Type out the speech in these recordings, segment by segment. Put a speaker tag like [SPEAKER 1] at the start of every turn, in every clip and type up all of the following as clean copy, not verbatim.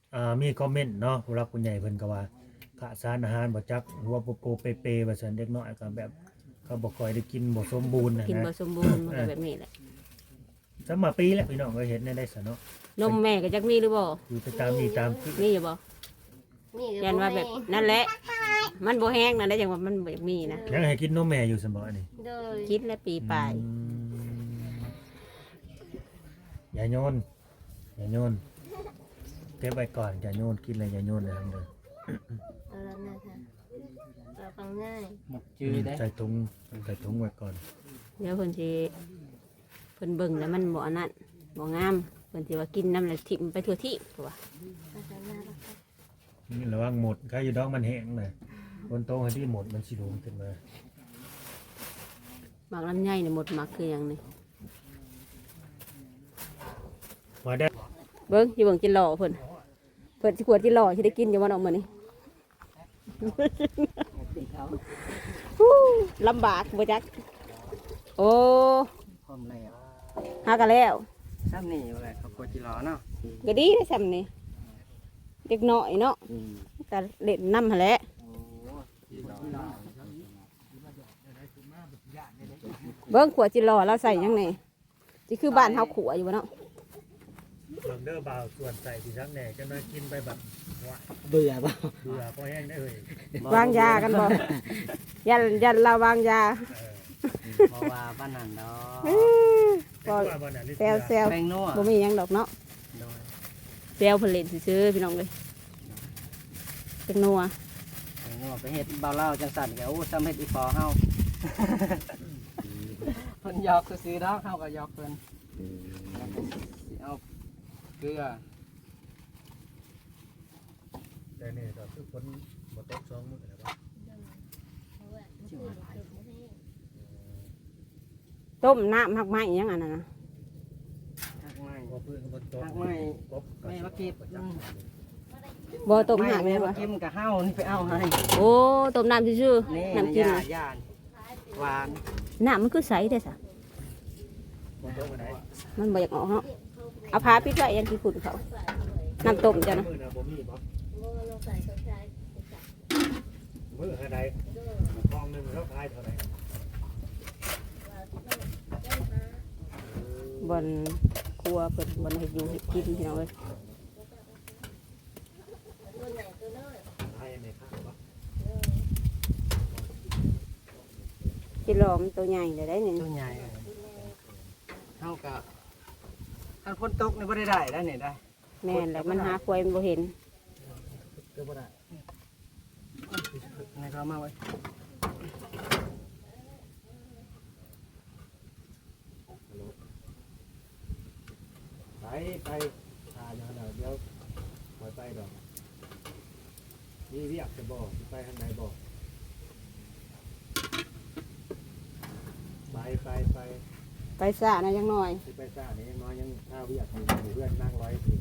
[SPEAKER 1] มีคอมเมนต์เนาะผู้รักผู้ใหญ่เพิ่นก็ว่าขาดสารอาหารบ่จักหัวโปโปเปเปว่าซั่นเด็กน้อยก็แบบเขาบ่ค่อยได้กินบ่สมบูรณ์นะ
[SPEAKER 2] กิน
[SPEAKER 1] นะ
[SPEAKER 2] บ่สมบูรณ์มันก็แบบนี้แหละ
[SPEAKER 1] สมาปีแล้วพี่น้องก็เห็นได้ซะเนาะ
[SPEAKER 2] นมแม่ก็จักมีหรือบ่
[SPEAKER 1] อยู่ไปตามนี่ตามคือ
[SPEAKER 2] มีอยู่บ่ยันว่าแบบนั่นแหละมันบ่แห้งนั่นได้จังว่ามันบ่มีนะ
[SPEAKER 1] ยังให้กินนมแม่อยู่ซั่นบ่อันนี้
[SPEAKER 3] โดย
[SPEAKER 2] คิดและปีปลาย
[SPEAKER 1] อย่าโยนอย่าโยนเก็บไว้ก่อนอย่าโยนกินเลยอย่าโยนเลยทั้งเด้อ
[SPEAKER 3] เอาแล้วนะคะเราฟังง่าย
[SPEAKER 4] หมกจืดได้
[SPEAKER 1] ใส่ถุงไว้ก่อน
[SPEAKER 2] เดี๋ยวเพิ่นสิเพิ่นเบิ่งแล้วมันบ่อันนั้นบ่งามเพิ่นสิว่ากินน้ำแล้วทิ่มไปทั่วที่ตัวา
[SPEAKER 3] เอาแล้วนะคะ
[SPEAKER 1] นี่ระวังหมดใครอยู่ดอกมันแห้งน่ะบนโต๊ะให้ที่หมดมันสิโดนขึ้นมา
[SPEAKER 2] หมักลำไยนี่หมดหมักคือหยังนี่
[SPEAKER 1] มาได้
[SPEAKER 2] เบิ่งสิเบิ่งจิหล่อเพิ่นสิขวดจิหล่อสิได้กินอยู่บ่เนาะมื้อนี้ ฮู้ลำบากบ่จักโอ้
[SPEAKER 4] พร้อมแล้ว
[SPEAKER 2] หากันแล้ว
[SPEAKER 4] ซ้ำนี่แหละเขาโคจิรอเนาะ
[SPEAKER 2] ก็ดีได้ซ้ำนี่เด็กน้อยเนาะก็เล่นน้ำหั่นแหละ
[SPEAKER 4] โอ้จิรอ
[SPEAKER 2] เบิ่งขวดจิหล่อเราใส่หยังนี่สิคือบ้านเฮาขัวอยู่บ่เนาะ
[SPEAKER 1] เบิ่งเด้อบ่าวส่วนใส่ที่ซักแหน่จะมากินไปแบบว่า
[SPEAKER 4] เบื่อป่ะ
[SPEAKER 1] เบื่อพอแห้งได้เลย
[SPEAKER 2] วางยากันบ่ยันเราวางยา
[SPEAKER 4] เพราะว่าบ้านนั่นดอก
[SPEAKER 2] ก็
[SPEAKER 1] ว่าบ่น่ะลิ
[SPEAKER 2] แซวแซว
[SPEAKER 4] แป้งนัว
[SPEAKER 2] บ่มีหยังดอกเนาะ
[SPEAKER 4] โดย
[SPEAKER 2] แซวเพิ่นเล่นซื่อๆพี่น้องเอ้ยเป็นนัว
[SPEAKER 4] แป้งนัวไปเฮ็ดเบาเล่าจังสั่นแกโอ้ซ้ำเฮ็ดอีฟอเฮาเพิ่นหยอกซื้อๆดอกเฮาก็หยอกเพิ่นแล้วก็สิเอาเกลือ
[SPEAKER 1] แต่นี่ก็คือฝนบ่ตก2มื้อแล้วบ่
[SPEAKER 2] ต้มน้ำหักไม้อิหยังอันนั้นนะ
[SPEAKER 4] หักไม้
[SPEAKER 1] บ่พื้นก็บ่ตก
[SPEAKER 4] หักไม้
[SPEAKER 1] กบ
[SPEAKER 4] แม่มาเก็บ
[SPEAKER 2] บ่ต้มหัก
[SPEAKER 4] แม่
[SPEAKER 2] แม่น
[SPEAKER 4] มา
[SPEAKER 2] บ่
[SPEAKER 4] เก็บกับเฮานี่ไปเอาให้
[SPEAKER 2] โอ้ต้มน้ำซื่อ
[SPEAKER 4] นี่
[SPEAKER 2] ๆน้ำกิน
[SPEAKER 4] ย่า
[SPEAKER 2] น่ะ
[SPEAKER 4] ย่านหวาน
[SPEAKER 2] น้ำมันคือใสเด้อซะ
[SPEAKER 1] บ่ตกบ่ได้
[SPEAKER 2] มันบ่อยากออกเนาะเอาผ้าปิดไว้ยันสิฝุ่นเขาน้ำต้มจ้ะนะ
[SPEAKER 1] มื้อน่ะบ่มีบ่
[SPEAKER 3] เราใส่สนใจ
[SPEAKER 1] มื้อหาใดทองหนึงแล้วขายเท่าไหร่
[SPEAKER 2] บ่นครัวเพิ่นบ่นให้อยู่ให้กินพี่น้องเอ้ย
[SPEAKER 3] ตัวใหญ่ตัวน้อย
[SPEAKER 1] ขายในข้างบ่
[SPEAKER 2] จิหล่อมันตัวใหญ่เลยได้นี่
[SPEAKER 4] ตัวใหญ่เท่ากับถ้าฝนตกนี่บ่ได้แล้วนี่ได้
[SPEAKER 2] แม่นแหละมันหาควายมันบ่เห็น
[SPEAKER 4] ก็บ่ได้ในเขามาไว้
[SPEAKER 1] ไปเดี๋ยวปล่อยไปดอกมีเรียกจะบอกไปทางไหนบอกไป
[SPEAKER 2] ไปซะนะจังหน่อย
[SPEAKER 1] ไปซ่านี่น้อยยังข้าวเรียกอยู่เพื่อนนั่งร้อยสิ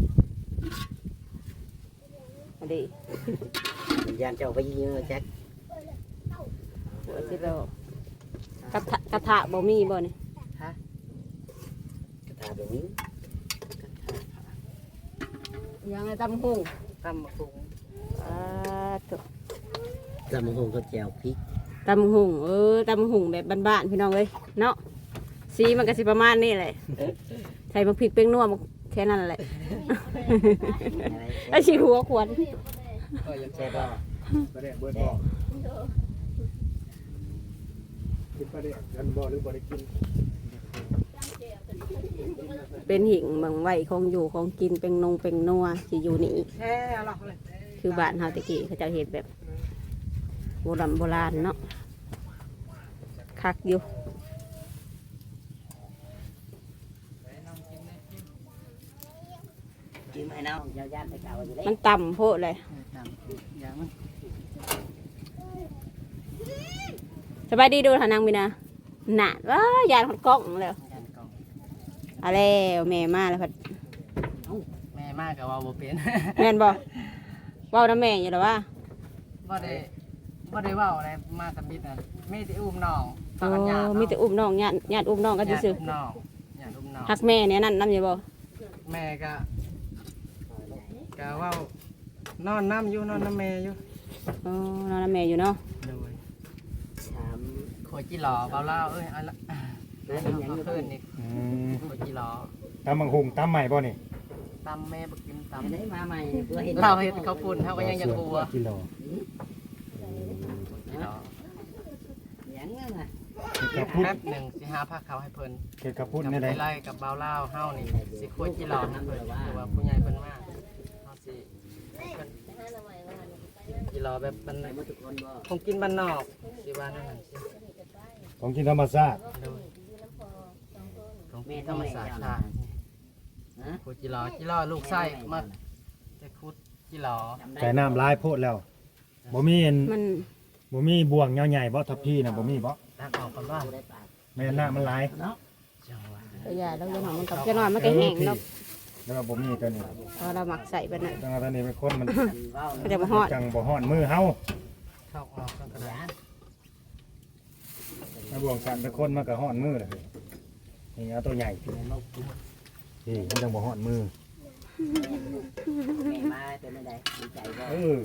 [SPEAKER 2] เอาดิ
[SPEAKER 4] ยานเจ้าไปยิงแจ็ค
[SPEAKER 2] หัวจิหล่อกระทะบ่มีบ่นี่
[SPEAKER 4] ฮะกระทาแบบนี้
[SPEAKER 2] ยังไงตำหุ่ง
[SPEAKER 4] ตำมะพุง
[SPEAKER 2] ถูก
[SPEAKER 4] ตำมะพุงก็แจวพริก
[SPEAKER 2] ตำหุ่งตำหุ่งแบบบ้านๆพี่น้องเลยเนาะสีมันก็สิประมาณนี้แหละใส่มะพริกเป้งนัวมันแค่นั้นแหละไอ้ชีหัวขวด
[SPEAKER 4] ก็ยังแช่บ่
[SPEAKER 1] ประเดี๋ยวเบิร์ดบอกกินประเดี๋ยวกันบ่หรือบ่ได้กิน
[SPEAKER 2] เป็นหิ่งบางไว้ของอยู่ของกินเป็นนงเป็นนัวสิอยู่นี่
[SPEAKER 4] แช่หรอกเลย
[SPEAKER 2] คือบ้านเฮาตะกี้เขาจะเห็นแบบโบราณเนาะคักอยู่
[SPEAKER 4] กินให้น้องยาวๆไปเก่าอยู่เลย
[SPEAKER 2] มันต่ำโพดเลย
[SPEAKER 4] อย่างมัน
[SPEAKER 2] สบายดีดูทานางมีนะหนาว้ายานขดกล้องแล้ว
[SPEAKER 4] ยานกล่อง
[SPEAKER 2] เอาแล้วแม่มาแล้วพัด
[SPEAKER 4] แม่มากกับว่าบ่เป็น
[SPEAKER 2] แม่นบ่เว้าน้ำแม่อยู่หรอวะ
[SPEAKER 4] บ่ได้เว้าอะไรมาสมิดน่ะมีแต่อุ้มน้อง
[SPEAKER 2] โอ้มีแต่อุ้มน้องญาติอุ้มน้องกันซื่อ
[SPEAKER 4] น้องญาติอุ้มน้อง
[SPEAKER 2] ๆฮักแม่เนี่ยนั่นน้ำอยู่บ่
[SPEAKER 4] แม่ก็กะว่านอนน้ำอยู่นอนน้ำแม่อยู่
[SPEAKER 2] อ๋อน้องน้ำแม่อยู่เนาะ
[SPEAKER 4] โดยโคจิหล่อเบาเล่าเอ้ยอะไรเขาขึ้นนี่
[SPEAKER 1] อืม
[SPEAKER 4] โคจิหล่อ
[SPEAKER 1] ตำบักหุงตำใหม่บ่นี่
[SPEAKER 4] ตำแม่บักกินตำ
[SPEAKER 5] ได้มาใหม่เพื่อเห็น
[SPEAKER 4] เราเห็นเขาปุ่นเขาก็ยังจะกลัว
[SPEAKER 1] กิโล
[SPEAKER 4] จิหล่อ
[SPEAKER 5] ยังไงล่ะ
[SPEAKER 1] เฮ็ดกับพุ่น
[SPEAKER 4] แป๊บหนึ่งสิหาผ้าขาวให้เพิ่น
[SPEAKER 1] เฮ็ดกับพุ่น
[SPEAKER 4] กับ
[SPEAKER 1] นี่
[SPEAKER 4] ไป
[SPEAKER 1] ได้
[SPEAKER 4] ไล่กับเบาเล่าเฮานี่สิโคจิหล่อนะเพิ่นหรือว่าผู้ใหญ่เพิ่นมากเฮาสิเพิ่น
[SPEAKER 3] ห้าหน่อไม้ว่า
[SPEAKER 4] จิหล่อแบบมัน
[SPEAKER 5] ไปหมดทุกคนบ่
[SPEAKER 4] คงกินบ้านนอกสิว่านั่นน่ะสิ
[SPEAKER 1] ของกินธรรมชาติ
[SPEAKER 4] โดย
[SPEAKER 3] น้ำพอสองคน
[SPEAKER 4] ของกินธรรมศาสตร์ค่ะ
[SPEAKER 5] ฮะ
[SPEAKER 4] โคจิหล่อจิหล่อลูกไส้มาจะคุดจิหล่อ
[SPEAKER 1] ใส่น้ำลายโพดแล้วบ่มีอัน
[SPEAKER 2] มัน
[SPEAKER 1] บ่มีบ่วงใหญ่ๆบ่ทับพี่น่ะบ่มีบ่
[SPEAKER 4] ตักออกกันว่า
[SPEAKER 5] ได้ปาก
[SPEAKER 1] แม่นน้ำมันหลาย
[SPEAKER 5] เนาะ
[SPEAKER 4] จังหวะ
[SPEAKER 2] ก็อย่าแล้วจะหน่อยมันกับจะหน่อยมันก็แห้งเนาะ
[SPEAKER 1] แล้วก็บ่มีตัวนี้
[SPEAKER 2] พอเราหมักใส่ไปน่ะ
[SPEAKER 1] จังว่าตัวนี้เป็นคนมัน
[SPEAKER 5] ว้าว
[SPEAKER 2] ก็จะมาฮอด
[SPEAKER 1] จังบ่ฮ้อนมือเฮา
[SPEAKER 4] เข้าออกกันกระดาษ
[SPEAKER 1] ถ้าบ่วงสั่นเป็นคนมันก็ฮ้อนมือล่ะนี่เอาตัวใหญ่พี่นี่มันจังบ่ฮ้อนมือ
[SPEAKER 5] แม่มาเป็นไม่ได้ดีใจบ่
[SPEAKER 1] เออ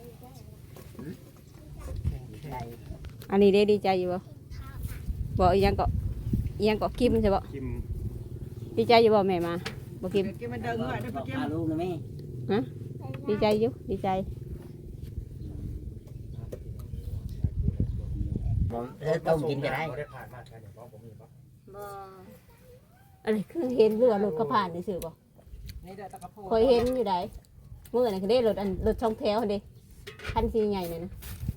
[SPEAKER 5] ดีใจ
[SPEAKER 2] อันนี้ได้ดีใจอยู่บ่บอกอีหยังก็อีหยังก็กิมใช่บ่
[SPEAKER 1] กิม
[SPEAKER 2] ดีใจอยู่บ่แม่มาบ่กิม
[SPEAKER 4] กินมันเดินเงยได้
[SPEAKER 5] บ
[SPEAKER 4] ปะ
[SPEAKER 5] อก
[SPEAKER 4] กิน
[SPEAKER 5] พาลูกนะแม่
[SPEAKER 2] ฮะดีใจอยู่ดีใจ
[SPEAKER 5] บอกต้มกินก็ได้
[SPEAKER 1] บ่ได้ผ่านมาแค่นี้บ่มีบ่
[SPEAKER 3] บ่
[SPEAKER 2] อะไรคือเห็นเรือรถเขาผ่านนี่ซื่อบ่
[SPEAKER 4] นี่ได้ตะกะโพ
[SPEAKER 2] เคยเห็นอยู่ใดเมื่อไหร่คือได้รถอันรถช่องแถวเด้คันสีใหญ่น่ะนะ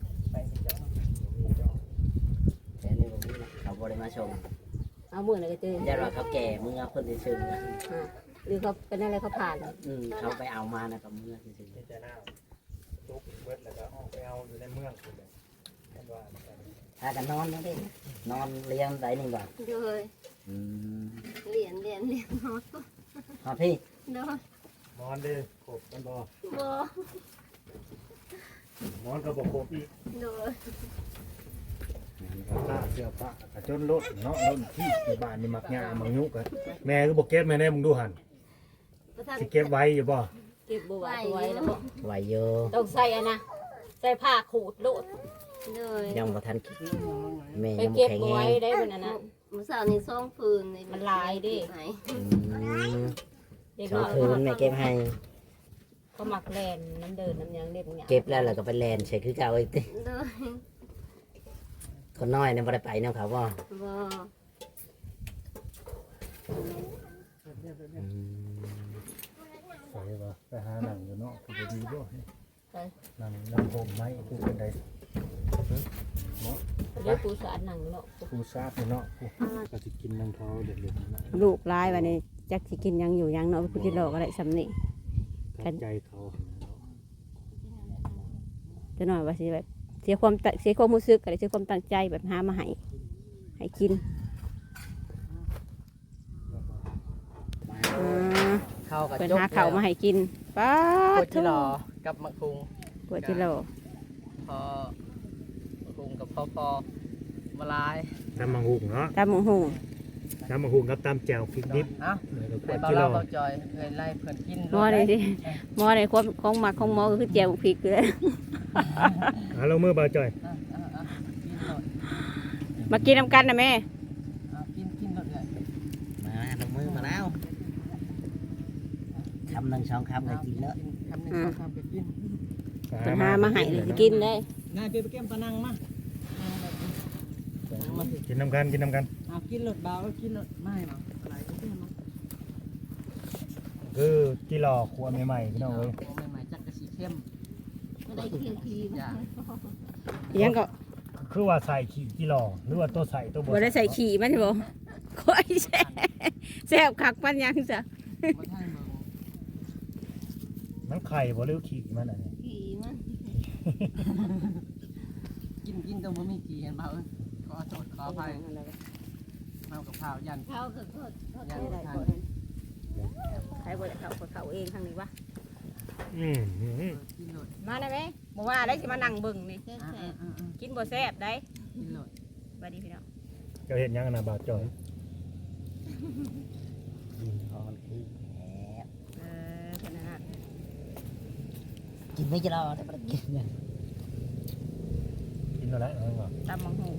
[SPEAKER 5] แต่นี่บ่มีนะเขาบ่ได้มาชม
[SPEAKER 2] เอาเมื่อไหร่ก็เจอ
[SPEAKER 5] อย่าว่าเขาแก่มึงเอาคนที่ชื่อ
[SPEAKER 2] อ่าหรือเขาเป็นอะไรเขาผ่าน
[SPEAKER 5] เขาไปเอามานะกับมึงที่ชื่อ
[SPEAKER 1] มีแต่น้ำจุกเบิดแล้วก็ออกไปเอาอยู่ในเมืองพุ่นเลยท่านว่า
[SPEAKER 5] ถ้ากันนอนนะเด้นอนเลี้ยงได้หนึ่งบาท
[SPEAKER 3] โดย
[SPEAKER 5] อืม
[SPEAKER 3] เหรียญนอน
[SPEAKER 5] พอพี่
[SPEAKER 3] โดย
[SPEAKER 1] นอนเด้อครบกันบ่
[SPEAKER 3] บ่
[SPEAKER 1] นอนก็บ่ครบอีก
[SPEAKER 3] โดย
[SPEAKER 1] ผ้าเสื้อผ้ากระจนรถเนาะรถที่ในบ้านนี่มักหญ้ามักยุกอะแม่ก็บ่เก็บแม่แน่มึงดูหั่น
[SPEAKER 3] ประธาน
[SPEAKER 1] สิเก็บไว้อยู่บ่
[SPEAKER 2] เก็บบัวไว้แล้วบ่
[SPEAKER 5] ไหวเยอะ
[SPEAKER 2] ต้องใส่อันนะใส่ผ้าขูดโลด
[SPEAKER 3] โดย
[SPEAKER 5] ยังบ่ทันคิดแม่
[SPEAKER 2] ไป
[SPEAKER 5] ยังบ่
[SPEAKER 2] เก็บ
[SPEAKER 5] แข็ง
[SPEAKER 2] บัว
[SPEAKER 5] แร
[SPEAKER 2] ไว้
[SPEAKER 5] ง
[SPEAKER 2] ได้เป็นอันนั้น
[SPEAKER 3] มื้อเช้านี่ซ่องฟืน
[SPEAKER 2] มันลายดิ
[SPEAKER 3] ไหน
[SPEAKER 5] อืม
[SPEAKER 2] เด็ก
[SPEAKER 5] สอ
[SPEAKER 2] น้
[SPEAKER 5] ง
[SPEAKER 2] อย
[SPEAKER 5] คืนแม่เก็บให้
[SPEAKER 2] เขาหมักแลนน้ำเดินน้ำยังเด็บอย่าง
[SPEAKER 5] เก็บแล้วเราก็ไปแลนใส่คือเก่าอีกติ
[SPEAKER 3] โดย
[SPEAKER 5] คนน้อยเนี่ยบ่ได้ไปนำเขาบ่
[SPEAKER 3] บ่
[SPEAKER 5] อืม
[SPEAKER 1] ใส่บ่ไปหาหนังอยู่เนาะคือบ่ดีบ่หนังผมไหมคือเป็นใด
[SPEAKER 2] เดี๋ยวปูสาดหนังเนาะ
[SPEAKER 1] ผู้ทราบเนาะผู้ก็สิกินน้ำเขาเด็ดๆนะ
[SPEAKER 2] ลูกลายวันนี้จักสิกินยังอยู่ยังเนาะพุทธิโลกอะไรสำนี่
[SPEAKER 1] ขัดใจเขา
[SPEAKER 2] จะหน่อยว่าสิแบบเสียความรู้สึกอะไรเสียความตั้งใจแบบหามาให้กินอ่า
[SPEAKER 4] เข้ากับ
[SPEAKER 2] เป็น
[SPEAKER 4] จก
[SPEAKER 2] หาเข่าวมาให้กินป้า
[SPEAKER 4] โค
[SPEAKER 2] ด
[SPEAKER 4] จิหล่อกับมะคุง
[SPEAKER 2] ปวดที่โล
[SPEAKER 4] พอมะคุงกับพอมาลาย
[SPEAKER 1] ตำมังหุงเนาะ
[SPEAKER 2] ตามหงหง
[SPEAKER 1] ตำมังหุงกับตำแจ่วพริกดิบ
[SPEAKER 4] เอ้า
[SPEAKER 1] ข
[SPEAKER 4] ไอ้
[SPEAKER 1] วด
[SPEAKER 4] เบา
[SPEAKER 1] กิโล
[SPEAKER 4] เล่าเบาจอยเคยไล่เพื่อนกิน
[SPEAKER 2] หมอเลยสิหมอเลยความของหมักของหมอก็คือเจียวพริกเลย
[SPEAKER 1] เอาลงมือเบาจ่อย
[SPEAKER 4] กินหน่อย
[SPEAKER 2] มากินน้ำกันนะแม่
[SPEAKER 4] กินหน่อยเลย
[SPEAKER 5] มาลงมือมาแล้วคำหนึ่งสองคำก็กินแล้ว
[SPEAKER 4] คำหนึ่งสองคำไปกิน
[SPEAKER 2] ปัญหามาให้เลยสิกินได้
[SPEAKER 4] นายไปเก็บปลานังมา
[SPEAKER 1] กินน้ำกันกินน้ำกัน
[SPEAKER 4] เอากินหลดเบากินหลดไม่หรอกอะไรก็กินมา
[SPEAKER 1] คือกิโลครัวใหม่ๆพี่น้องเอ้ย
[SPEAKER 4] ใหม่ๆจักกระสีเข้ม
[SPEAKER 3] บ่ได้เคียวคี
[SPEAKER 4] อย่า
[SPEAKER 2] ยังก็
[SPEAKER 1] คือว่าใส่ขี้กิโลหรือว่าตัวใส่ตัว
[SPEAKER 2] บ่ได้ใส่ขี่มันใช่บ่ค่อยแซ่บคักมันยังจ้ะ
[SPEAKER 4] บ่ท่านเบิ่ง
[SPEAKER 1] มันไข่บ่หรือขี้มันอันนี้
[SPEAKER 3] ขี่มัน
[SPEAKER 4] กินแต่บ่มีกี่เห็นเปล่าเอ้ยขอโทษขออภัยเมากับข้าวยัน
[SPEAKER 3] เข้าก็โทษ
[SPEAKER 4] ยัน
[SPEAKER 2] ได้
[SPEAKER 4] ทา
[SPEAKER 2] บ่
[SPEAKER 4] น
[SPEAKER 2] ใครบ่ได้เขาเองทางนี้วะ
[SPEAKER 1] อืม
[SPEAKER 4] กินหลด
[SPEAKER 2] มาได้ไหมบ่ว่าได้สิมานั่งเบิ่งนี่
[SPEAKER 3] แซ่
[SPEAKER 4] อ่า
[SPEAKER 3] บ
[SPEAKER 2] กินบ่แซ่บได้
[SPEAKER 4] กินหลด
[SPEAKER 2] สวัสดีพี่น้อง
[SPEAKER 1] เจ้าเห็นยังนะบาดจ่อย
[SPEAKER 5] กินพอมันคือแหม
[SPEAKER 2] เพิ่นนั่นน่ะ
[SPEAKER 5] กินไม่จะรอได้บ่ได้กินเนี่ย
[SPEAKER 1] กินอะไรเอาไว้
[SPEAKER 2] ตำบักหุ่ง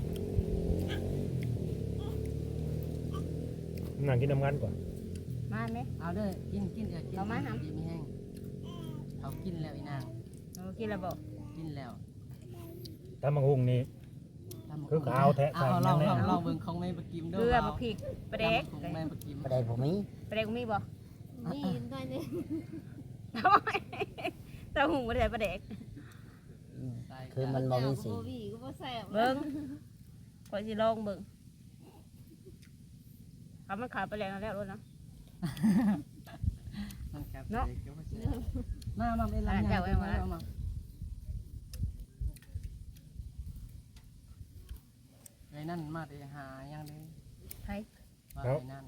[SPEAKER 1] นั่งกินน้ำกันก่อน
[SPEAKER 2] มาไหม
[SPEAKER 4] เอาเด้อกินกินกิน
[SPEAKER 2] เอามาหา
[SPEAKER 4] ดีไม่แห้งเอากินแล้วอีนาง
[SPEAKER 2] กินแล้วบอก
[SPEAKER 4] กินแล้ว
[SPEAKER 1] ตำบักหุ่งนี่ คือขาวแท้
[SPEAKER 4] เอา
[SPEAKER 1] ใส่
[SPEAKER 4] ลอง
[SPEAKER 1] ยังไง
[SPEAKER 4] ลองเบิ่งของแม่ปะกิม
[SPEAKER 2] เก
[SPEAKER 4] เด้
[SPEAKER 2] ลื
[SPEAKER 4] อ
[SPEAKER 2] อมะพริกปลาแดก
[SPEAKER 4] ของแม่ปะกิม
[SPEAKER 5] บ่ได้ผมมี
[SPEAKER 2] ปลาแดกมีบ่
[SPEAKER 3] นี่ได้เลย
[SPEAKER 2] ทำไมตำหุ่งบ่ได้ปลาแดก
[SPEAKER 4] ใส่
[SPEAKER 5] คือมันบ่มีสี
[SPEAKER 3] บ่มีก็บ่แซ่บ
[SPEAKER 2] เบิ่งข่อยสิลองเบิ่งเขามันขายไปแล้วแล้วรถนะ
[SPEAKER 4] มันครับ
[SPEAKER 2] เนาะ
[SPEAKER 4] เดี๋ยวเดี๋ยวมาเป็นลำ
[SPEAKER 2] อ่า
[SPEAKER 4] ไย
[SPEAKER 2] เจ้าไว้มา
[SPEAKER 4] มาไอ้นั่นมาได้หายังได้
[SPEAKER 2] ไผ
[SPEAKER 4] ว่าไอ้นั่น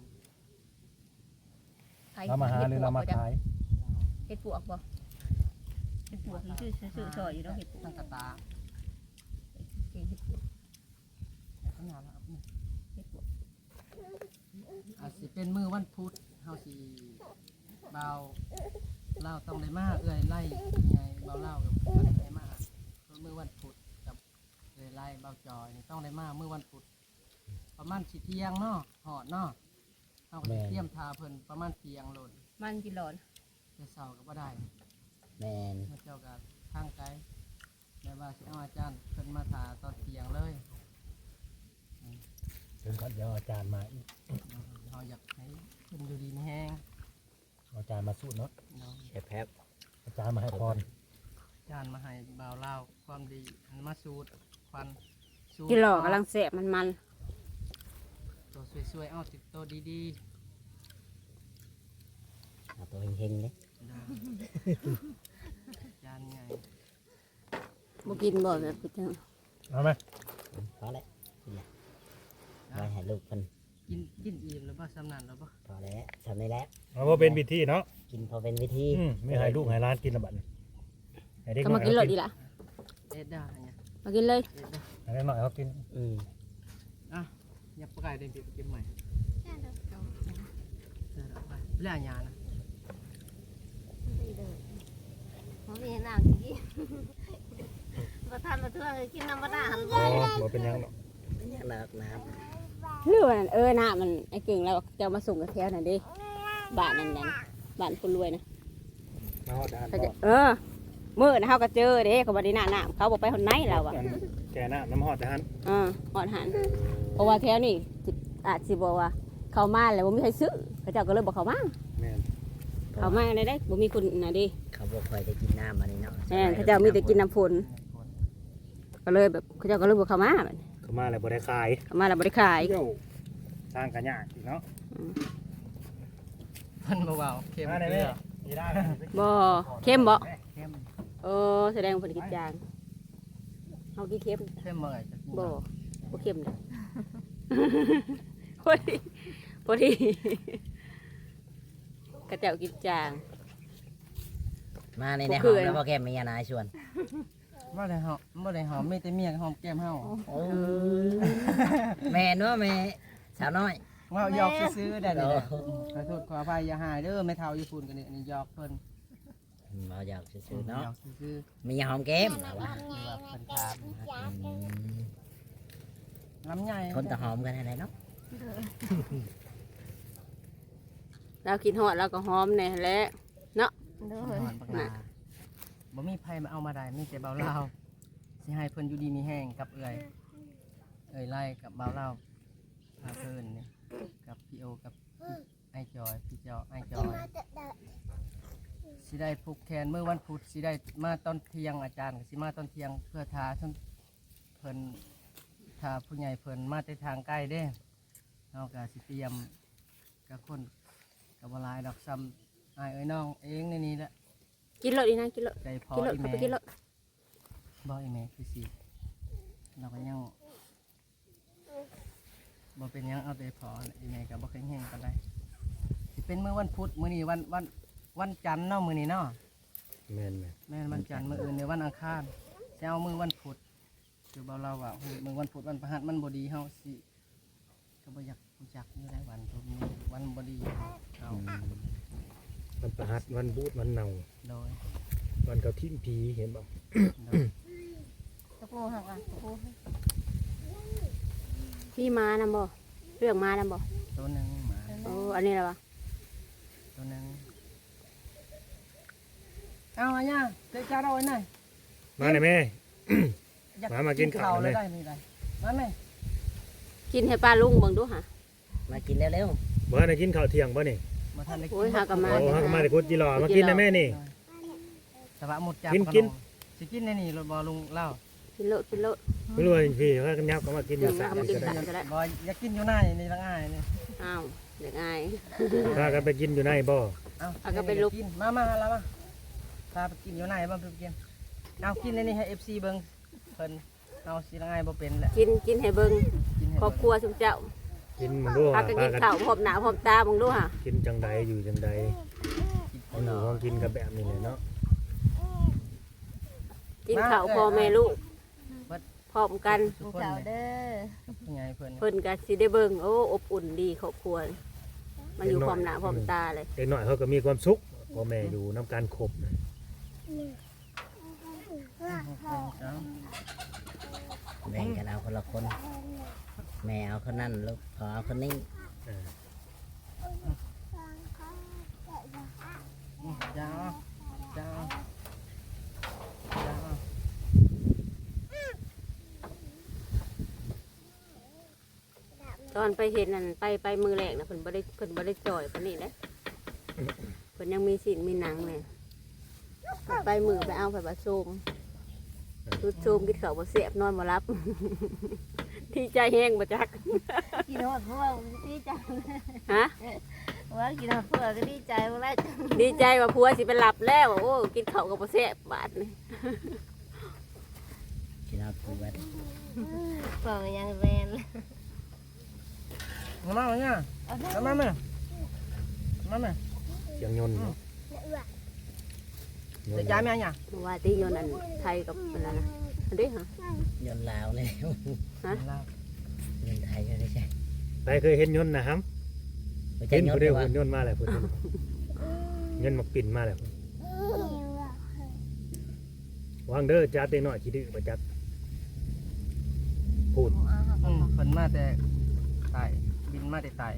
[SPEAKER 2] ไผ
[SPEAKER 1] เรามาหาหรือเรามาขาย
[SPEAKER 2] เฮ็ดปวกบ่เฮ็ดปวกนี่ชื่อซอยอยู่เนาะเฮ็ดปวก
[SPEAKER 4] ตั้งกระตา
[SPEAKER 2] เฮ็ดปวก
[SPEAKER 4] ขนาดละ
[SPEAKER 2] เฮ็ดปวก
[SPEAKER 4] อาจสิเป็นมือวันพุธเฮาสิเบาเล่าต้องได้มาเอื้อยไล่ไงเบาเล่ากับบ่ได้มาเพราะมือวันพุธกับเอื้อยไล่เบาจอยนี่ต้องได้มามือวันพุธประมาณสิเที่ยงเนาะหอดเนาะเฮาก็สิเตรียมทาเพิ่นประมาณเที่ยงโลด
[SPEAKER 2] มันกินหลอน
[SPEAKER 4] แต่เช้าก็บ่ได้
[SPEAKER 5] แม่น
[SPEAKER 4] พระเจ้าก็ทางไกลแม่ว่าสิเอาอาจารย์เพิ่นมาทาตอนเที่ยงเลย
[SPEAKER 1] ถึงก่อนเดี๋ยวอาจารย์มาอีก
[SPEAKER 4] เฮาอยากให้เพิ่นอยู่ดีมีแห้ง
[SPEAKER 1] เอาอาจารย์มาสู้เนาะ
[SPEAKER 4] เนาะ
[SPEAKER 5] แค่แป๊บ
[SPEAKER 1] อาจารย์มาให้พร
[SPEAKER 4] อาจารย์มาให้บ่าวเล่าวความดีอันมาสูตรควันสูตร
[SPEAKER 2] กินหลอกกำลังแสบมัน
[SPEAKER 4] ตัวสวยๆเอาติดตัวดี
[SPEAKER 5] เอาตัวเฮงๆเด้
[SPEAKER 4] ๆเนาะอาจารย์ไง
[SPEAKER 2] บ่กินบ่แบบกิน
[SPEAKER 1] เอาไหม
[SPEAKER 5] พอแล้วกินแล้วไว้ให้ลูกเพิ่น
[SPEAKER 4] กินอิ่มแล้วบ่สำนันแล้วบ่
[SPEAKER 5] พอแล้วทำได้แล้ว
[SPEAKER 1] เอาว่าเป็นวิธีเนาะ
[SPEAKER 5] กินพอเป็นวิธี
[SPEAKER 1] ไม่ให้ลูกให้ร้านกินละบัดนี่ให้เด็ก
[SPEAKER 2] ก็
[SPEAKER 1] น้อ
[SPEAKER 2] มาย กินหลอดดี
[SPEAKER 1] เขา
[SPEAKER 2] ล่ะ
[SPEAKER 4] เอ็ดได้เนี่ย
[SPEAKER 2] มากินเลย
[SPEAKER 4] เอ็ดได้
[SPEAKER 1] ให้เด็กน้อยเขากิน
[SPEAKER 5] อืม
[SPEAKER 4] อ่ะยับปลายเดินไปกินใหม่
[SPEAKER 3] แค่เดียวเอา
[SPEAKER 4] เดินออกไปแล้วอันยานะ
[SPEAKER 3] ได้เลยบ่มีน้ำสิกินบ่ทันมาเทื่อกินน้ำบ่ได้หัน
[SPEAKER 1] อ๋อบ่เป็นหยังหรอก
[SPEAKER 5] เป็นอย่างนักน้
[SPEAKER 2] หรือว่านั่นน้ามันไอ้เก่งแล้วจะเอามาส่งกับแถวนั่นดิบ้านนั่นบ้านคนรวยนะ
[SPEAKER 1] มาฮอดด้าน
[SPEAKER 2] เขาจะมื้อนะเฮาก็เจอเด้เขาบ่ได้หน้าเขาบ่ไปคนไหนแล้วอ่ะ
[SPEAKER 1] แกน้ำน้ำฮอดด้าน
[SPEAKER 2] ฮอดหันเพราะว่าแถวนี้อาจสิบอกว่าเข้ามาแล้วบ่มีใครซื้อเขาเจ้าก็เลยบ่เข้ามา
[SPEAKER 1] แม่น
[SPEAKER 2] เข้ามาได้บ่มีคนน่ะดิ
[SPEAKER 5] ำเขาบ่ค่อยได้กินน้ำอันนี้เนาะ
[SPEAKER 2] แม่นเขาเจ้ามีแต่กินน้ำฝนก็เลยแบบเขาเจ้าก็เลยบ่เข้ามาบัดนี้
[SPEAKER 1] เขามาแล้วบ่ได้ขาย
[SPEAKER 2] เข้ามาแล้วบ่ได้ขาย
[SPEAKER 1] เดี๋ยวสร้างกันยากอีกเนาะ
[SPEAKER 4] เพิ่นเบาๆเค็ม
[SPEAKER 1] มาได้
[SPEAKER 4] เก
[SPEAKER 1] ไหม
[SPEAKER 4] ลือ
[SPEAKER 1] มีได้
[SPEAKER 2] บ่เข้มบ่
[SPEAKER 4] เค็ม
[SPEAKER 2] แสดงว่าเพิ่นกินจางเฮากินเค็ม
[SPEAKER 4] เค็มเมื่อไหร่จะกิน
[SPEAKER 2] บ่เข้มเลย พอดีกระเจ้ากินจาง
[SPEAKER 5] มาในใน
[SPEAKER 2] บ่คื
[SPEAKER 5] ห้อ
[SPEAKER 2] อง
[SPEAKER 5] แล้วพ่อแก้มมียานายชวน
[SPEAKER 4] บ่ได้หอมบ่ได้หอมมีแต่เมียหอมแก้มเฮา
[SPEAKER 5] แม่นัวแม่สาวน้อย
[SPEAKER 4] ว่าหยอกซื้อๆได้เล
[SPEAKER 5] โอ้
[SPEAKER 4] ยขอโทษขออภัยอย่าหายเด้อแม่เฒ่าญี่ปุ่นกันนี่อันนี้หยอกเพิ่น
[SPEAKER 5] เราอยากซื้อๆเนาะ
[SPEAKER 4] หยอกซื้อ
[SPEAKER 5] มีหอมแก้มเหรอวะ
[SPEAKER 4] ๆหรือว่าเพิ่นถาม
[SPEAKER 5] อืม
[SPEAKER 4] ลำไย
[SPEAKER 5] คนตะหอมกันอะไรเนาะ
[SPEAKER 2] เรากินฮอดเราก็หอมแน่แหละ
[SPEAKER 3] โด
[SPEAKER 4] ห
[SPEAKER 3] ย
[SPEAKER 4] อนปากลาบ่มีไผมาเอามาได้มีแต่เบาลาวสิให้เพิ่นอยู่ดีมีแห้งกับเอื้อยไล่กับเบาลาวพาเพิ่นนี่กับพี่โอกับไอ้จอยพี่จอไอ้จอยสิได้ผูกแขนเมื่อวันพุธสิได้มาตอนเที่ยงอาจารย์ก็สิมาตอนเที่ยงเพื่อทาท่านเพิ่นทาผู้ใหญ่เพิ่นมาแต่ทางใกล้เด้เฮาก็สิเตรียมกับคนกับบ่หลายดอกซ้ำอ้ายเอ้ยน้องเองในนี้แหละ
[SPEAKER 2] กินเลยดีนะกินเลย
[SPEAKER 4] ใจพอ
[SPEAKER 2] กินเลย
[SPEAKER 4] อี
[SPEAKER 2] เข้า
[SPEAKER 4] แม่
[SPEAKER 2] ไปกินเลย
[SPEAKER 4] บ่อีแม่คือสิเราก็ยังบ่เป็นหยังเอาใจพออีแม่ก็บ่เคยแห้งกันได้สิเป็นมื้อวันพุธมื้อนี้วันจันทร์เนาะมื้อนี้เนาะ
[SPEAKER 1] แม่น
[SPEAKER 4] แม่นวันจันทร์มื้ออื่นในวันอังคารสิเอามื้อวันพุธคือเบาเราว่ามื้อวันพุธวันพฤหัสมันบ่ดีเฮาสิก็บ่อยากรู้จักอยู่ได้วันพุธนี้วันบ่ดีเอา
[SPEAKER 1] มันประหัดวันบูดวันเน่า
[SPEAKER 4] โดย
[SPEAKER 1] วันเขาทิ้งผีเห็นบ่
[SPEAKER 3] ตะปูหักอ่ะตะปู
[SPEAKER 2] มีม้านำบ่เรื่องม้านำบ่
[SPEAKER 4] ตัวหนึงหมา
[SPEAKER 2] โอ้อันนี้แหละวะ
[SPEAKER 4] ตัวหนึงเอาอันนี้เจ๊จ้าเราไว้หน่อย
[SPEAKER 1] มาหน่อยแม่
[SPEAKER 4] อยาก
[SPEAKER 1] มากินข้าว
[SPEAKER 4] เลย
[SPEAKER 1] เลย
[SPEAKER 4] ได้นี่ได้มาแม่
[SPEAKER 2] กินให้ป้าลุงเบิ่งดูหะ
[SPEAKER 5] มากินเร็ว
[SPEAKER 1] บ่ได้กินข้าวเที่ยงบ่นี่
[SPEAKER 4] มาทันได้กิน
[SPEAKER 2] โอ้ยหากะมา
[SPEAKER 1] โอ้ฮักมาแต่กุดจิรอมากินนะแม่นี่
[SPEAKER 4] สบะหมดจับ
[SPEAKER 1] กิน
[SPEAKER 4] สิกินในนี่รถบอลุงเล่า
[SPEAKER 2] กินโลดกินโลด
[SPEAKER 1] ไม่รู้ว่าพี่ว่ากันยับก็มากินอยู่สาม
[SPEAKER 2] มากิน
[SPEAKER 1] ก็ได้
[SPEAKER 2] สาม ก็ได้
[SPEAKER 4] บอยอยากกินอยู่ในนี่ละง่ายนี่
[SPEAKER 2] อ้าวเด็กอาย
[SPEAKER 1] พากันไปกินอยู่ในบ่
[SPEAKER 4] เอา
[SPEAKER 2] เอาก็ไปลุก
[SPEAKER 4] กินมาแล้วมาพาไปกินอยู่ในบ้างไปกินเอากินในนี่ให้ FC เบิ่งเพิ่นเอาสิละง่ายบ่เป็นแหละ
[SPEAKER 2] กินให้เบิ่ง
[SPEAKER 4] กินให้
[SPEAKER 2] ครอบครัวซุมเจ้า
[SPEAKER 1] กินมึงดู
[SPEAKER 2] พากันกินข้าวพร้อมหน้าพร้อมตาเบิ่งดูหะ
[SPEAKER 1] กินจังใดอยู่จังใดเอาหนูของกินกับแบบนี้เลยเนาะ
[SPEAKER 2] กินข้าวพ่อแม่ลูกพร้อมกัน
[SPEAKER 4] ทุกคน
[SPEAKER 3] เจ้า
[SPEAKER 4] เนี่ย
[SPEAKER 3] เด้อ
[SPEAKER 4] ยังไงเพิ่น
[SPEAKER 2] เพิ่นก็สิได้เบิ่งโอ้อบอุ่นดีครอบครัวมาอยู่พร้อมหน้าพร้อมตาเลย
[SPEAKER 1] เด็กน้อยเขาก็มีความสุขพ่อแม่อยู่น้ำการครบ
[SPEAKER 5] ๆแบ่งกันเอาคนละคน แม่เอาคนนั้นลูกพอเอาคนนี้
[SPEAKER 4] จ้าจ้า
[SPEAKER 2] ตอนไปเห็นนั่นไปมือแรกนะเพิ่นบ่ได้จ่อยปานนี้นะเพิ่นยังมีศีลมีหนังเลยไปมือไปเอาไปผสมสุดโซมกินข้าวบ่แซ่บนอนบ่หลับ ที่ใจแห้งบ่จัก
[SPEAKER 3] กินหอดพวกดีใจ
[SPEAKER 2] ฮะ
[SPEAKER 3] ว่ากินหอดพวกก็ดีใจว่าแล้ว
[SPEAKER 2] ดีใจว่าผัวสิไปหลับแล้วโอ้กินข้าวกับบ่แซ่บบาดนี่
[SPEAKER 5] กินเอาปูบัด
[SPEAKER 3] พวกยังแวน
[SPEAKER 4] มาเนี่ยมาแม่มาแม่
[SPEAKER 1] เสียงยนต์เนาะ
[SPEAKER 4] จะย้ายแม่เนี่ย
[SPEAKER 2] ว่าที่โยนอันไทยกับอันนั้นนะอันนี้ฮะ
[SPEAKER 5] ยนต์ลาวเลย
[SPEAKER 2] ฮะ
[SPEAKER 5] เงินไทยก็ได้ใช่
[SPEAKER 1] ไปเคยเห็นยนต์นะครับ
[SPEAKER 5] ไม่
[SPEAKER 1] เห็
[SPEAKER 5] ใช่
[SPEAKER 1] น
[SPEAKER 5] ยน
[SPEAKER 1] ผู้
[SPEAKER 5] ต์
[SPEAKER 1] เดียว
[SPEAKER 5] ว่า
[SPEAKER 1] หุ่นยนต์มาแล้วพุ่นยนต์มาปิ่นมาแล้ววางเด้อจ้าเด็กน้อยขี้ดื้อบ่จักพูด
[SPEAKER 4] เพิ่นมาแต่ตายบินมาแต่ตาย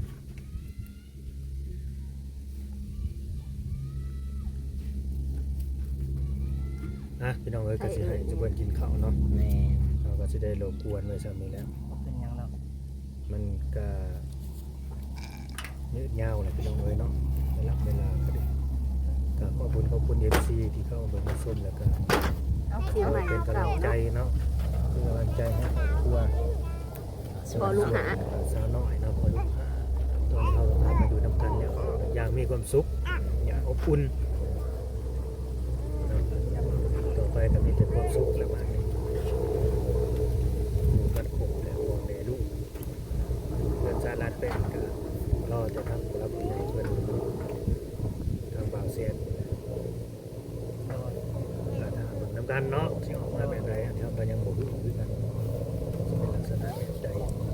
[SPEAKER 1] นะพี่น้องเอ้ยก็สิให้ทุกคนกินข้าวเนาะ
[SPEAKER 5] แม่
[SPEAKER 1] เราก็สิได้รบกวนไว้ซ้ำนี้แล้ว
[SPEAKER 4] เป็นหยังแล้ว
[SPEAKER 1] มันก็ยืดยาวแหละพี่น้องเอ้ยเนาะเวลาก็ดีก็ขอบคุณ FC ที่เข้ามาเบิ่งมาชมแล้วก็
[SPEAKER 2] ที่ใหม่
[SPEAKER 1] เป็นกำลั
[SPEAKER 2] เก่าง
[SPEAKER 1] ใจ
[SPEAKER 2] เนาะ
[SPEAKER 1] เนาะเป็นกำลังใจให้ครอบครัว
[SPEAKER 2] พอลูกหา
[SPEAKER 1] สาวน้อยเนาะพอลูกหาตอนเขาพามาอยู่นำกันแล้วอย่างมีความสุขอย่างอบอุ่นเนาะต่อไปก็มีแต่ความสุขแล้วมาเนี่ยอยู่กันครบแล้วพ่อแม่ลูกเพื่อนสารัดเป็นก็รอจะทำผู้รับผู้ใหญ่เพื่อนทางบ่าวเสียนก็ถามเบิ่งนำกันเนาะสิออกมาแบบไหนทำกันยังบ่รู้คือกันเป็นลักษณะแบบใด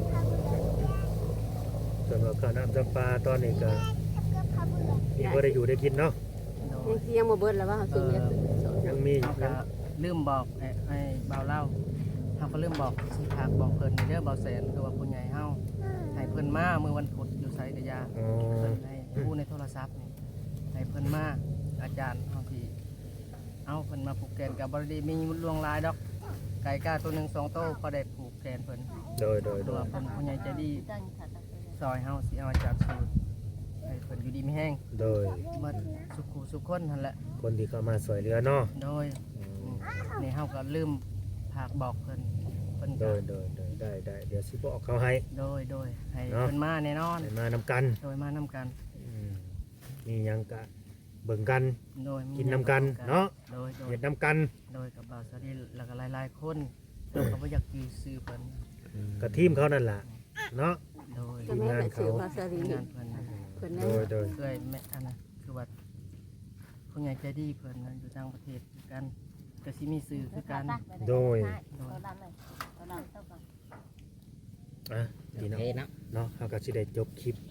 [SPEAKER 1] สำหรับข้าวน้ำจำปาตอนนี้ก็มีพอได้อยู่ได้กินเนาะ
[SPEAKER 2] ยังบ่เบิดแล้วว่าเขาซื้อเนี่ย
[SPEAKER 1] ยังมี
[SPEAKER 4] เขาก็ลืมบอกให้เบาเล่าเขาก็ลืมบอกสิพากบอกเพิ่นเด้อเบาแสนคือว่าผู้ใหญ่เฮาให้เพิ่นมาเมื่อวันพุธอยู่ไสกะยา
[SPEAKER 1] อ๋อ
[SPEAKER 4] เพิ่นให้ผู้ในโทรศัพท์นี่ให้เพิ่นมาอาจารย์เฮาที่เอาเพิ่นมาผูกแขนกับบริดีมีลวงลายดอกไก่กาตัวหนึ่งสองโตวพอได้ผูกแขนเพิ่น
[SPEAKER 1] โดย
[SPEAKER 4] ตัวเพิ่นผู้ใหญ่ใจดี
[SPEAKER 3] ตั้งถัดไปเลย
[SPEAKER 4] ซอยเฮาสิเอาอาจารย์สูตรให้เพิ่นอยู่ดีมีแห้ง
[SPEAKER 1] โดย
[SPEAKER 4] หมดสุขุสุขคนนั่นแหละ
[SPEAKER 1] คนที่เข้ามาสวยเรือเนาะ
[SPEAKER 4] โดยนี่เฮาก็ลืมพากบอกเพิ่นเพิ่น
[SPEAKER 1] โด
[SPEAKER 4] ก็
[SPEAKER 1] ยได้เดี๋ยวสิบอกเขาให้
[SPEAKER 4] โดยให้
[SPEAKER 1] เนาะ
[SPEAKER 4] เพิ่นมาแน่นอน
[SPEAKER 1] ให้มานำกัน
[SPEAKER 4] โดยมานำกัน
[SPEAKER 1] มีหยังกะเบิ่งกัน
[SPEAKER 4] โดยมี
[SPEAKER 1] กินนำกันเนาะ
[SPEAKER 4] โดย
[SPEAKER 1] เฮ็ดนำกัน
[SPEAKER 4] โดยกับบ่าวสวัสดีแล้วก็หลายๆคนเราก็บ่อยากยื้อซื้อเพิ่น
[SPEAKER 1] กับทีมเขานั่นล่ะเนาะ
[SPEAKER 4] โดย
[SPEAKER 2] จะไม่ได้ซื้อภาษาดี
[SPEAKER 4] งานเพิ่นนะ
[SPEAKER 2] เพิ่นนั่
[SPEAKER 1] โด
[SPEAKER 2] น
[SPEAKER 1] ย
[SPEAKER 4] เคยแม่อันนะคือว่าผู้ใหญ่ใจดีเพิ่นนะอยู่ต่างประเทศคือกันก็สิมีสื่อคือกัน
[SPEAKER 3] ตัวดำเลยตัวดำเท่ากัน
[SPEAKER 1] อ่ะพี่
[SPEAKER 5] โอ
[SPEAKER 1] น้อง
[SPEAKER 5] เคเนาะ
[SPEAKER 1] เนาะเขาก็สิได้จบคลิปเนาะ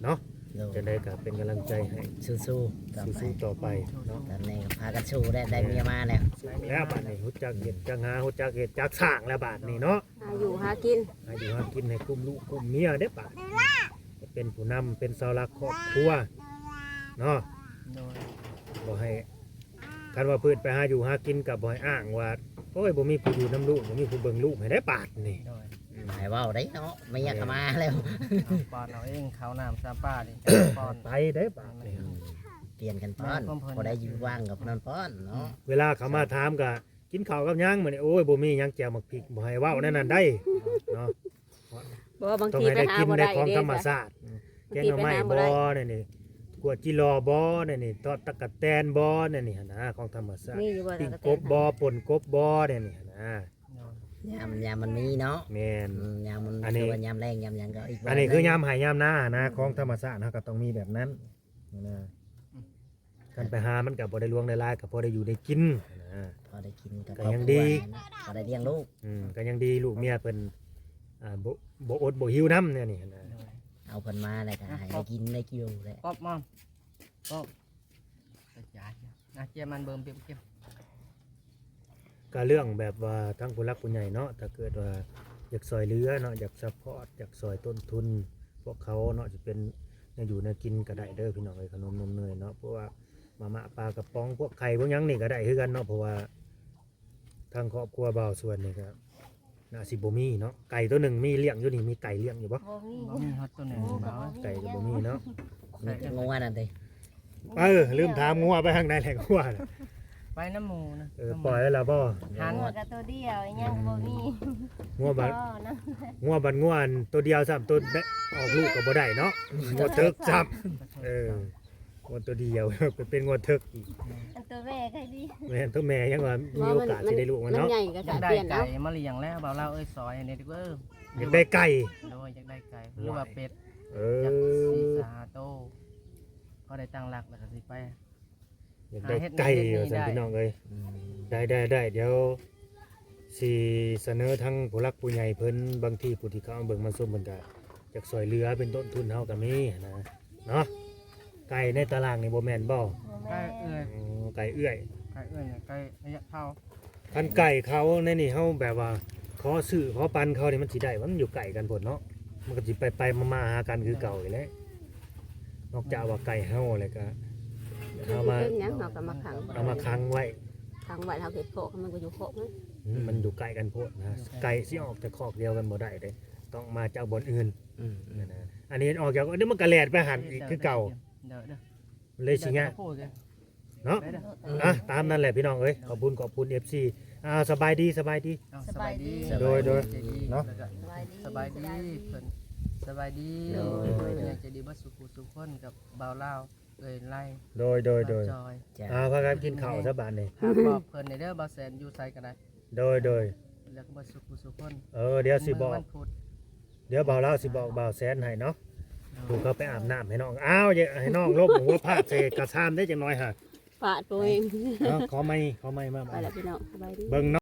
[SPEAKER 5] โดย
[SPEAKER 1] จะได้ก็เป็นกำลังใจให้
[SPEAKER 5] สู้ๆต่อไป
[SPEAKER 1] สู้ๆต่อไปเนาะ
[SPEAKER 5] ตอนนี้ก็พากันสู้ได้เมียมาแล้ว
[SPEAKER 1] แล้วบาดนี้ฮู้จักเฮ็ดจักหาฮู้จักเฮ็ดจักสร้างแล้วบาดนี้เนาะ
[SPEAKER 2] หาอยู่หากิน
[SPEAKER 1] ให้อยู่หากินให้กลุ่มลูกกลุ่มเมียเด้บาดเป็นผู้นำเป็นเสาหลักครอบครัวเนาะ
[SPEAKER 4] โดย
[SPEAKER 1] บ่ให้คันว่าเพิ่นไปหาอยู่หากินก็บ่ให้อ้างว่าโอ้ยบ่มีผู้อยู่นำลูกบ่มีผู้เบิ่งลูกให้ได้บาดนี่
[SPEAKER 4] โดย
[SPEAKER 5] หายว่าวได้เนาะไม่อยากก็มาแล้ว
[SPEAKER 4] เอาปอนเอาเองเขาน้ำซาป้าดิปอน
[SPEAKER 1] ไปได้บาดนี่
[SPEAKER 5] เปลี่ยนกันป้อนพอได้อยู่ว่างกับนอนป้อนเนาะ
[SPEAKER 1] เวลาเขามาถามก็กินข้าวกับหยังมื้อนี้โอ้ยบ่มีหยังแจ่วหมักพริกบ่ให้เว้าแนวนั้นได้เนาะ
[SPEAKER 2] บอกว่าบาง
[SPEAKER 1] ต้อง
[SPEAKER 2] ที
[SPEAKER 1] ให้
[SPEAKER 2] ไป
[SPEAKER 1] ได้
[SPEAKER 2] หา
[SPEAKER 1] กิน
[SPEAKER 2] บ่
[SPEAKER 1] ใน
[SPEAKER 2] ได้
[SPEAKER 1] ของ
[SPEAKER 2] เด้
[SPEAKER 1] ธรรม
[SPEAKER 2] จ้ะ
[SPEAKER 1] ชาติแกงหน่อไม้บ่นี่กวดจิรอบ่นี่ทอดตะกะแตนบ่นี่หั่นนะของธรรมชาติ
[SPEAKER 2] มีอยู่บ่
[SPEAKER 1] ปิ้ง
[SPEAKER 2] ตะ
[SPEAKER 1] กบบ่ป่นกบบ่นี่หั่นนะ
[SPEAKER 4] โดย
[SPEAKER 5] ยามมันมีเนาะ
[SPEAKER 1] แม่น
[SPEAKER 5] ยามมัน
[SPEAKER 1] อันนี้
[SPEAKER 5] คือยามแรงยามหยังก็อีก
[SPEAKER 1] อันนี้คือยามหายามหน้านะของธรรมชาตินะก็ต้องมีแบบนั้นนะการไปหามันก็บ่ได้ลวงได้ลายก็พอได้อยู่ได้กินนะ
[SPEAKER 5] พอได้กินกับ
[SPEAKER 1] ก็ยังดี
[SPEAKER 5] พอได้เลี้ยงลูก
[SPEAKER 1] ก็ยังดีลูกเมียเพิ่นบ่อดบ่หิวน้ำเนี่ยนี่นะ
[SPEAKER 4] โดย
[SPEAKER 5] เอาเพิ่นมาแล้วก็ให้ได้กินได้กินเลย
[SPEAKER 4] ป๊อบมอมป๊อบกระจายนะเจียมันเบิ่มเปียกเก็บ
[SPEAKER 1] ก็เรื่องแบบว่าทั้งผู้รักผู้ใหญ่เนาะถ้าเกิดว่าอยากซอยเหลือเนาะอยากซัพพอร์ตอยากซอยต้นทุน พวกเขาเนาะจะเป็นอยู่ในกินก็ได้เด้อพี่น้องเอ้ยขนมนมเนยเนาะเพราะว่ามาม่าปลากระป๋องพวกไข่พวกหยังนี่ก็ได้คือกันเนาะเพราะว่าทางครอบครัวบ่าวส่วนนี่ก็น่าสิบ่มีเนาะไก่ตัวหนึ่งมีเลี้ยงอยู่นี่มีไก่เลี้ยงอยู่บ่
[SPEAKER 3] บ่มี
[SPEAKER 4] บ่มีฮอตตัวหนึ่งเบา
[SPEAKER 1] ไก่ก็บ่มีเนาะ
[SPEAKER 5] มีแต่งัวนั่นเด้
[SPEAKER 1] ลืมถามงัวไปทางไหนแหละงัวน่ะ
[SPEAKER 4] ไปน้ำหมูนะ
[SPEAKER 1] ปล่อยไว้แล้วบ่
[SPEAKER 4] หัน
[SPEAKER 3] หัวกับตัวเดียวอีหยังบ่มี
[SPEAKER 1] งัวบัด
[SPEAKER 3] พ่อนะ
[SPEAKER 1] งัวบัดงัวอันตัวเดียวซ้ำตัวแบะออกลูกก็บ่ได้เนาะงัวเถิกซ้ำงัวตัวเดียว เป็นงัวเถิกอีก
[SPEAKER 3] อันตัวแม่ใครดี
[SPEAKER 1] แม่นตัวแม่ยังว่ามีโอกาสสิได้ลูกมัน
[SPEAKER 2] มัน
[SPEAKER 1] เนาะ
[SPEAKER 2] ใหญ่ก็
[SPEAKER 4] อยาก
[SPEAKER 2] จะ
[SPEAKER 4] ได้
[SPEAKER 2] เปลี่ยนแล้
[SPEAKER 4] ไก่
[SPEAKER 2] ว
[SPEAKER 4] มาเลี้ยงแล้วเบาเล่าเอ้ยซอยอันนี้ดีกว่า
[SPEAKER 1] อยากได้ไก่
[SPEAKER 4] โดยอยากได้ไก่หรือว่าเป็ด
[SPEAKER 1] เอ
[SPEAKER 4] อยากสี
[SPEAKER 1] อ
[SPEAKER 4] สาโตพอได้ตั้งหลักแล้วก็สิไป
[SPEAKER 1] อยากได้ไก่ว่าซั่นพี่น้องเอ้ยได้เดี๋ยวสิเสนอทั้งผู้หลักผู้ใหญ่เพิ่นบางทีผู้ที่เขาเอาเบิ่งมาส้มเพิ่นก็อยากซอยเหลือเป็นต้นทุนเฮาก็มีนะเนาะไก่ในตารางนี่บ่แม่นบ่
[SPEAKER 3] บ่
[SPEAKER 4] ไก่
[SPEAKER 3] แม่
[SPEAKER 4] เอ้ย
[SPEAKER 1] ไก่เอื้อย
[SPEAKER 4] ไก่เอ้ยเนี่ยไก่ระยะเท่า
[SPEAKER 1] คันไก่เขาในนี่เฮาแบบว่าขอซื้อขอปันเขานี่มันสิได้มันอยู่ไก่กันพุ่นเนาะมันก็สิไปมาหากันคือเก่าอีกแหล้วนอกจากว่าไก่เฮาแล้วก็เอามา
[SPEAKER 2] เป็นหยังเราก็มาขัง
[SPEAKER 1] เอามาค้างไว้
[SPEAKER 2] ขังไว้เราเฮ็ดโคกมันก็อยู่โคกมัน
[SPEAKER 1] มันอยู่ไกลกันโพดนะไก่สิออกจากคอกเดียวกันบ่ได้เด้ต้องมาจากบนอื่นนะอันนี้ออกจากเดี๋ยวมันกระแลดไปหันอีกคือเก่า
[SPEAKER 4] เด้อเด้อ
[SPEAKER 1] เลยสิงะ
[SPEAKER 4] พูดกัน
[SPEAKER 1] เนาะ
[SPEAKER 4] เด้อ
[SPEAKER 1] อ่ะตามนั่นแหละพี่น้องเอ้ยขอบคุณ FC สบายดี
[SPEAKER 4] เอาสบายดี
[SPEAKER 1] โดย
[SPEAKER 4] เนาะ
[SPEAKER 3] สบายดี
[SPEAKER 4] สบายดีเพิ่นสบายดี
[SPEAKER 5] โดย
[SPEAKER 4] เพิ่นอยากจะดีบ่สุขุสุขคนกับบ่าวลาวเอ้ยไล่
[SPEAKER 1] โดย
[SPEAKER 4] บ่าวจอย
[SPEAKER 5] จ้ะ
[SPEAKER 1] พากันกินข้าวซะบาดนี้
[SPEAKER 4] หากบอกเพิ่นในเด้อบ่าวแสนอยู่ไสก็ได้
[SPEAKER 1] โดย
[SPEAKER 4] แล้วก็บ่สุขุสุขคน
[SPEAKER 1] เดี๋ยวสิบอก
[SPEAKER 4] วันพุธ
[SPEAKER 1] เดี๋ยวบ่าวเล่าสิบอกบ่าวแสนให้เนาะถูกเขาไปอาบน้ำให้น้องอย่าให้น้องลบหัวพาดใส่กระชามได้จังน้อยฮะ
[SPEAKER 2] ฝาดตัวเอง
[SPEAKER 1] ขอไม่มา
[SPEAKER 2] ไปแล้วพี่น้องสบายดี
[SPEAKER 1] เบิ่งเนาะ